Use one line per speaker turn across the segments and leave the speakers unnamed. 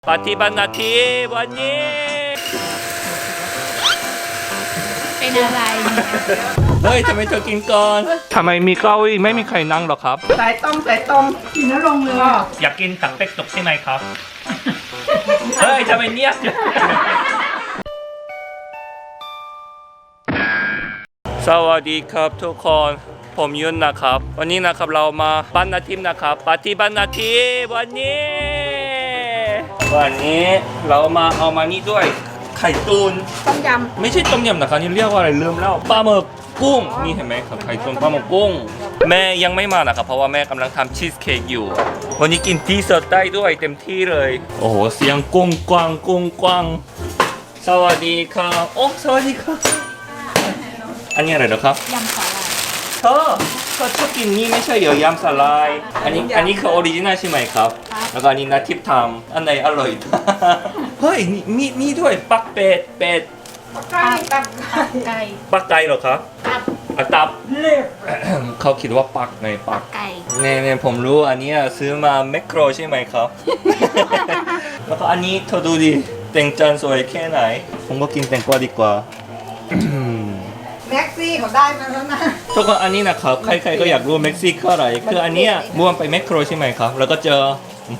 ปฏิบัติหน้าที่วันนี้
เป็นอะไร
เฮ้ยทำไมเธอกินก่อนทำไมมีเก้าอี้ไม่มีใครนั่งหรอครับ
สายตรงกินแล้วลงเลย
อยากกินตักเป็กตกใช่ไหมครับ เฮ้ยทำไมเนียบสวัสดีครับทุกคนผมยุนนะครับวันนี้นะครับเรามาบ้านนาทิมนะครับปฏิบัติหน้าที่วันนี้เรามาเอามานี่ด้วยไข่ตุน
ต้มยำ
ไม่ใช่ต้มยำนะครับนี่เรียกว่าอะไรลืมแล้วปลาหมึกกุ้งนี่เห็นไหมครับไข่ตุนปลาหมึกกุ้งแม่ยังไม่มานะครับเพราะว่าแม่กำลังทำชีสเค้กอยู่วันนี้กินที่สดได้ด้วยเต็มที่เลยโอ้โหเสียงกุ้งกวางสวัสดีครับโอ้สวัสดีครับอันนี้อะไรนะครับ
ยำสาหร่าย
เธอชอบกินนี่ไม่ใช่เหรอยำสาหร่ายอันนี้คือออริจินัลใช่ไหมครับแล้วก็อันนี้นาทิพย์ทำอันไหนอร่อย เฮ้ยมีด้วยปักเป็ด
ปักไก่
ปักไก่เหรอครับตับเขาคิดว่าปักไงปัก
ไก่
เนี่ยผมรู้อันนี้ซื้อมาแมคโครใช่ไหมครับ แล้วก็อันนี้เธอดูดิแตงจานสวยแค่ไหนผมก็กินแตงกวาดีกว่า
แม็กซี่เขาได้มาแล้วนะ
ทุกคนอันนี้นะครับใครๆก็อยากรู้แม็กซี่คืออะไรคืออันเนี้ยม่วงไปแมคโครใช่ไหมครับแล้วก็เจอ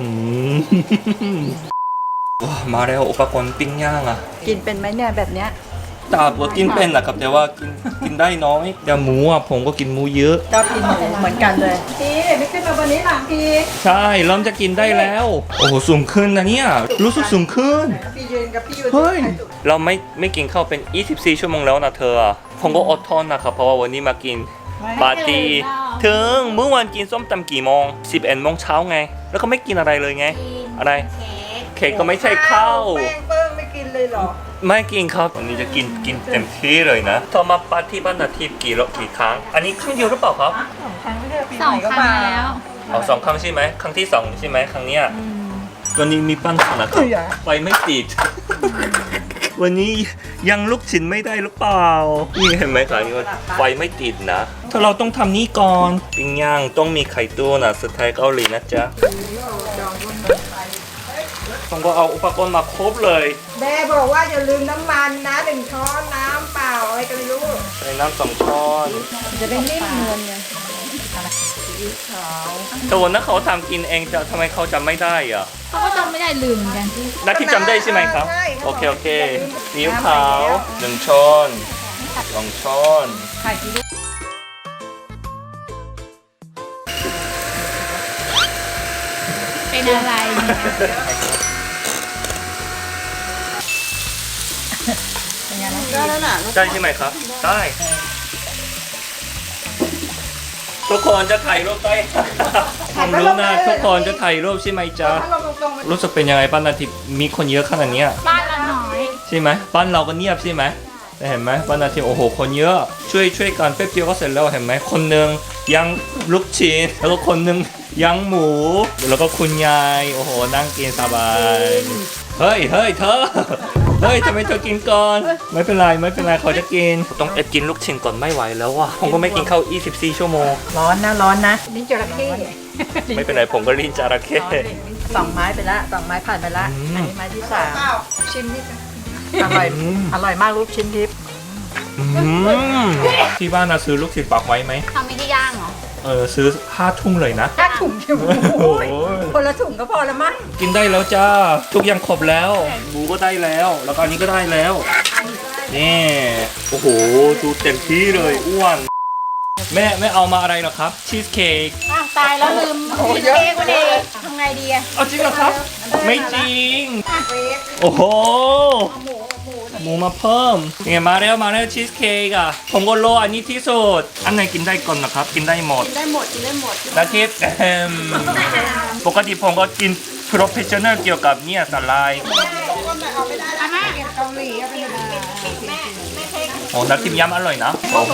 ว้ามาแล้วอุปกรณ์ปิ้งย่างอ่ะ
กินเป็นไหมเนี่ยแบบเนี้ย
ตับก็กินเป็นนะครับแต่ว่ากินได้น้อยแต่หมูอ่ะผมก็กินหมูเยอะ
ชอบกินหมูเหมือนกันเลยพี่ไม่ขึ้นมาวันนี้หลังพี่
ใช่เริ่มจะกินได้แล้วโอ้โหสูงขึ้นนะเนี่ยรู้สึกสูงขึ้น
พี่ยืนกับพี่ยืน
เฮ้ยเราไม่กินข้าวเป็น24ชั่วโมงแล้วนะเธอผมก็อดทนนะครับเพราะว่าวันนี้มากินปาร์ตี้ถึงเมื่อวันกินส้มตำกี่โมง11 โมงเช้าไงแล้วก็ไม่กินอะไรเลยไงอะไรเค้กก็ไม่ใช่ข้าว
แป้งเปิ้งไม่กินเลยเหรอ
ไม่กินครับวันนี้จะกินเต็มที่เลยนะเธอมาปาร์ตี้บ้านนาทิพย์กี่ครั้งอันนี้ครั้งเดียวหรือเปล่าครับ
2 ครั้งไม่ใช่ปี
ส
ให
อง
ม่ก็
ครั้
มาง
แล้ว
2 ครั้งใช่ไหมครั้งที่2ใช่ไหมครั้งเนี้ยตัวนี้มีปัญหานะครับไฟไม่ติดวันนี้ยังลุกชิ้นไม่ได้หรือเปล่านี่เห็นไหมครับนี่ว่าไฟไม่ติดนะถ้าเราต้องทำนี้ก่อนปิ้งย่างต้องมีไข่ตัวนะสไตล์เกาหลีนะจ๊ะผมก็เอาอุปกรณ์มาครบเลย
แม่บอกว่าอย่าลืมน้ำมันนะ1 ช้อนน้ำเปล่าอะไรกันไม่รู้
ใส่น้ำ2 ช้อน
จะได้นิ่มเงินไง
แต่วันนั้นเขาทำกินเองจะทำไมเขาจำไม่ได้อ่ะ
เขาก็จำไม่ได้ลืมเหมือนกัน
นัดที่จำได้ใช่ไหมครับโอเคซีอิ๊วขาว1 ช้อน2 ช้อน
ไข่ซีอิ๊ว
เป็นอะไร
ได้แล้วน่ะ
ได้ใช่ไหมครับได้ทุกคนจะถ่ายรูปได้ผมรู้นะทุกคนจะถ่ายรูปใช่ไหมจ๊ะรู้สึกเป็นยังไงบ้านนาทิพย์มีคนเยอะขนาดนี้
บ้านเราน้อย
ใช่ไหมบ้านเราก็เงียบใช่ไหมแต่เห็นไหมบ้านนาทิพย์โอ้โหคนเยอะช่วยกันแป๊บเดียวก็เสร็จแล้วเห็นไหมคนหนึ่งย่างลูกชิ้นแล้วก็คนหนึ่งย่างหมูแล้วก็คุณยายโอ้โหนั่งกินสบายเฮ้ยเธอเฮ้ยทำไมเธอกินก่อนไม่เป็นไรเขาจะกินต้องกินลูกชิ้นก่อนไม่ไหวแล้วว่ะผมก็ไม่กินข้าว24 ชั่วโมง
ร้อนนะลิ้นจระเข้
ไม่เป็นไรผมก็ลิ้นจระเข้
2 ไม้ไปละ2 ไม้ผ่านไปละอันนี้ไม้ที่3ชิมนิดอร่อยมากลูกชิ้นทิพย์
ที่บ้านนะซื้อลูกชิ้นปักไว้ไหม
ทำไม่ได้ย่างเหรอ
ซื้อ5 ถุงเลยนะ
5 ถุงคนละถุงก็พอละมั้ง
กินได้แล้วจ้าทุกอย่างครบแล้วหมูก็ได้แล้วแล้วก็อันนี้ก็ได้แล้วนี่โอ้โหดูเต็มที่เลยอ้วนแม่เอามาอะไรหรอครับชีสเค้ก
ตายแล้วลืมชีสเค้กวันนี้ทำไงดีอะ
เอาจริงเหรอครับไม่จริงโอ้โหหมูมาเพิ่มเนี่ยมาแล้วชีสเค้กอ่ะผมก็โลอันนี้ที่สุดอันไหนกินได้ก่อนนะครับกินได้หมดนาทิพย์ปกติผมก็กินโปรเฟชชั่นแนลเกี่ยวกับเนี่ยสไลด์โอ้นาทิพย์ยำอร่อยนะโอ้โห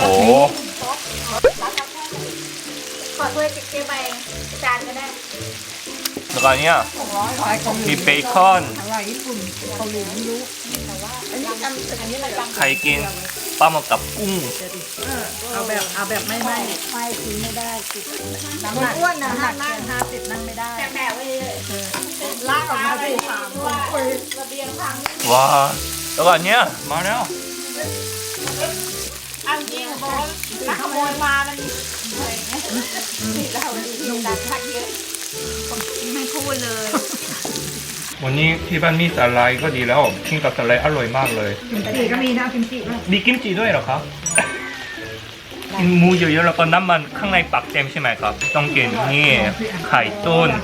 ขอถ้วยเจ๊ใบจานก็ได้
แล้วก็เนี่ยมีเบคอนใครกินปลาหมึกกับกุ้ง
เอาแบบไม่กินไม่ได้น้ำหนักอ้วนนะ50 นั่งไม่ได้
แบบไว้เลย
ลากออกมาสิ
ระเบียงพัง
ว้าแล้วก็อันเนี้ยมาแล้ว
เอาจริงบอกว่านักขโมยมามันอะไรเงี้ยนี่เราดูดันทักเยอะไม่พูดเลย
วันนี้ที่บ้านมีสาลายก็ดีแล้วกินกับสาลายอร่อยมากเลย
กิมจิก็มีนะกิมจิบ้าง
มีกิมจิด้วยเหรอครับ กินหมูเยอะๆแล้วก็น้ำมันข้างในปักเต็มใช่ไหมครับ ต้องกินนี่ไข่ต้น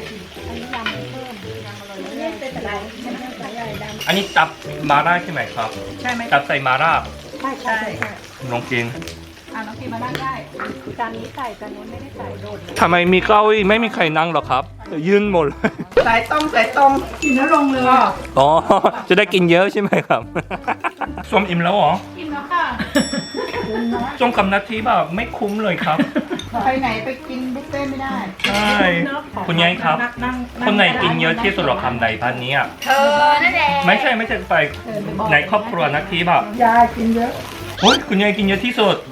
อันนี้ตับมาล่าใช่ไหมครับ
ใช่ไหม
ตับใส่มาล่า
ใช่
ลองกิน
น้องกินมานั่งได้
จานนี้ใส่จานนู้นไม่ได้ใส่โดด
ทำไมมีเก้าอี้ไม่มีใครนั่งหรอครับ ยืนหมดเลย
สายตรงกินแล้วลงเลย
อ๋อ จะได้กินเยอะใช่ไหมครับ ส้มอิ่มแล้วเหรอ
กินแล้วค่ะ
ส้มกับนาทีแบบไม่คุ้มเลยครับ
ไปไหนไปกินบุฟเฟ่ไม่ได้
ใช่ คุณยายครับ คนไหนกินเยอะที่สุดหรอคำในพันนี้อ่ะ
เธอนั่นแหละ
ไม่ใช่ไปในครอบครัวนาทีแบบ
ยายกินเยอะ
โอ้ยคุณยายกินเยอะที่สุด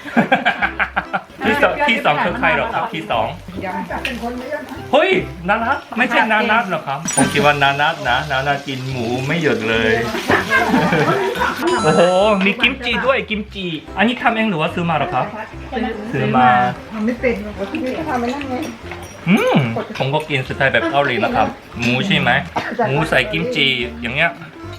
ที่สองคือใครหรอครับที่สอง
ยังเป็นคนไม่เยอะนะ
เฮ้ยนานัทไม่ใช่นานัทหรอครับผมคิดว่านานัทนะนานัทกินหมูไม่หยุดเลย โอ้โหมีกิมจิด้วยกิมจิอันนี้ทำเองหรือว่าซื้อมาหรอครับซื้อมา
ทำไม่เป็นหรอกพี่ก็ทำไม่นั่งไง
ผมก็กินสไตล์แบบเกาหลีนะครับ หมูใช่ไหมหมูใส่กิมจิอย่างเงี้ย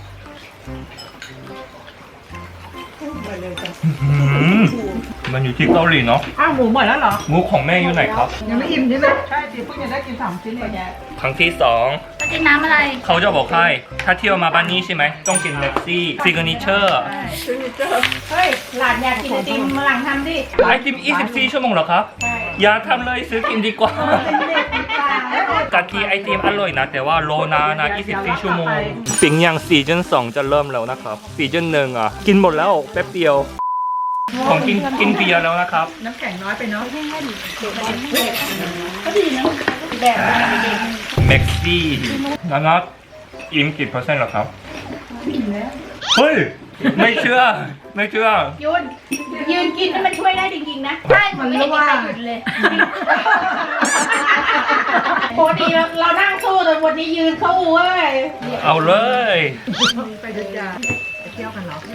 มันอยู่ที่เกาหลีเนาะ
อ้าวหมูหมดแล้วเหรอ
หมูของแม่อยู่ไหนครับ
ยังไม่อิ่มใช่ไหมใช่สิเพิ่งจะได้กิน3ชิ้นเอง
ครั้งที่สอง
จะกินน้ำอะไร
เขาจะบอกให้ถ้าเที่ยวมาบ้านนี้ใช่ไหมต้องกินเล็กซี่ซิกเนเจอร์
เฮ้ย หลานอยากกินไอติมมาหลังทำดิ
ไอติม24 ชั่วโมงเหรอครับ อย่าทำเลยซื้อกินดีกว่า กะทิไอติมอร่อยนะ แต่ว่าโลนานะ24 ชั่วโมงปิงย่างซีซั่น2จะเริ่มแล้วนะครับซีซั่น1อ่ะ กินหมดแล้วแป๊บเดียว ผมกินเบียร์แล้วนะครับ
น้ำแข็งน้อยไปเนาะ
เม็กซี่นะครับอิ่มกี่เปอร์เซ็นต์เหรอครับเฮ้ย ไม่เชื่อ ไม่เชื่อ
ยืนกินนี่มันช่วยได้จริงๆนะใช่มันไม่เห็นมีใครหยุดเลยปกติเรานั่งสู้แต่วันนี้ยืนสู้เว้ย
เอาเลย
ไปเดินยาไปเที่ยวกันเหรอ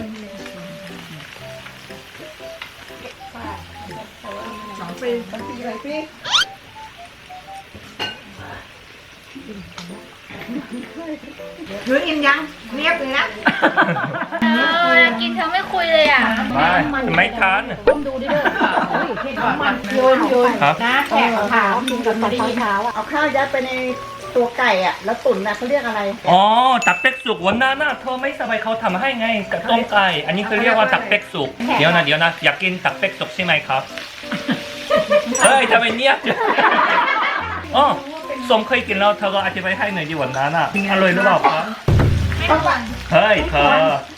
2 ปีอะไรพี่ถืออิ่มยังเรียบเลยนะ
กินเธอไม่คุยเลยอ่ะ
ไม่ทาน
ต้มดูดิเด้อมันโยน
ครับ
นะแขกถามกับไม่ได้ยิน
เอาข้าวยัดไปในตัวไก่อ่ะแล้วตุ๋นนะเขาเรียกอะไร
อ๋อ ตักเป็กสุกวันนั้นน่ะเธอไม่สบายเขาทำให้ไงกับต้มไก่ อันนี้เขาเรียกว่าตักเป็กสุก เดี๋ยวนะอยากกินตักเป็กสุกใช่ไหมครับ เฮ้ยทำไมเนียบอ๋อสมเคยกินแล้วเธอก็อธิบายให้หน่อยดิวันนั้นอ่ะอร่อยหรือเปล่าครับเฮ้ยเธอ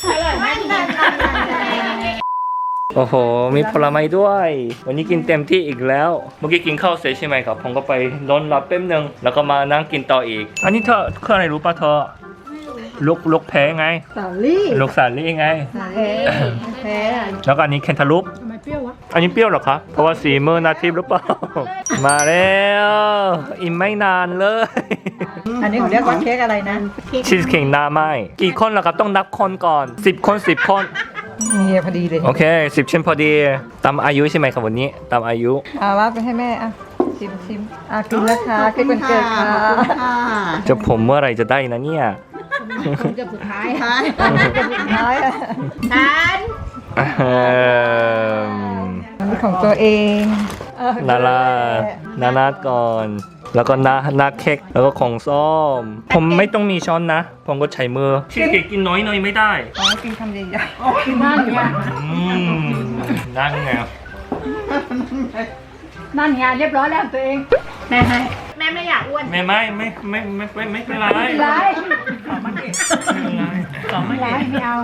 โอ้โห มีผลไม้ด้วย วันนี้กินเต็มที่อีกแล้ว เมื่อกี้กินข้าวเสร็จใช่ไหมครับ ผมก็ไปนอนหลับแป๊บนึง แล้วก็มานั่งกินต่ออีก อันนี้เธอคืออะไรรู้ป่ะเธอ ลูกแพ้ไง
สาลี่
ลูกสาลี่ไง
แพ้
แล้วก็อันนี้แคนทาลูป
ทำไมเปรี้ยววะ
อันนี้เปรี้ยวเหรอครับ เพราะว่าสีมือนาทีหรือเปล่า มาแล้วอิ่มไม่นานเลย
อันนี้เขาเรียกว่าเค้กอะไรนะ
ชีสเค้กหน้าไหมกี่คนล่ะครับต้องนับคนก่อน10 คน10 คน
นี่พอดีเลย
โอเค10ชิ้นพอดีตามอายุใช่ไหมครับวันนี้ตามอายุ
ว่าไปให้แม่ชิมกินแล้วค่ะเค้กวันเกิดค่ะ
จะผมเมื่อไหรจะได้นะเนี่ย
จะสุดท้าย
น้อย
ฉัน
อันนี้ของตัวเอง
นานาก่อน แล้วก็นาเค้กแล้วก็ของส้มผมไม่ต้องมีช้อนนะ ผมก็ใช้มือชีสเค้กกินน้อยหน่อยไม่ได้
กินคำใหญ่ๆกินมากอยู่
นั่นไง
นั่นไงเรียบร้อยแล้วตัวเอง
แม่ไม่อยากอ้วน
ไม่เป็นไร
ไร
ไม่เป็นไรต่อไม่
ไรไม่เอา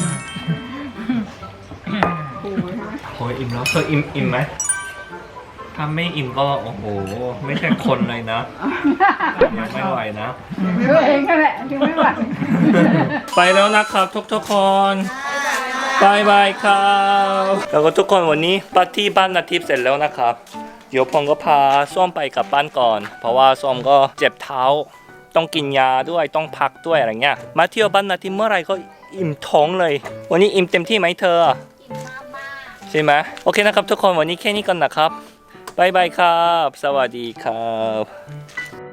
โอ้ยอิ่มแล้วเธออิ่มไหมถ้าไม่อิ่มก็โอ้โหไม่ใช่คนเลยนะยังไม่ไหวนะ
ตัวเองก็แหละยังไม่ไหว
ไปแล้วนะครับทุกคนบายบายครับแล้วก็ทุกคนวันนี้ปาร์ตี้บ้านนาทิพย์เสร็จแล้วนะครับเดี๋ยวผมก็พาส้มไปกลับบ้านก่อน เพราะว่าส้มก็เจ็บเท้าต้องกินยาด้วยต้องพักด้วยอะไรเงี้ยมาเที่ยวบ้านนาทีเมื่อไหร่ก็อิ่มท้องเลย วันนี้อิ่มเต็มที่ไหมเธอ
กินมาก
ใช่ไหมโอเคนะครับทุกคนวันนี้แค่นี้ก่อนนะครับบ๊ายบายครับสวัสดีครับ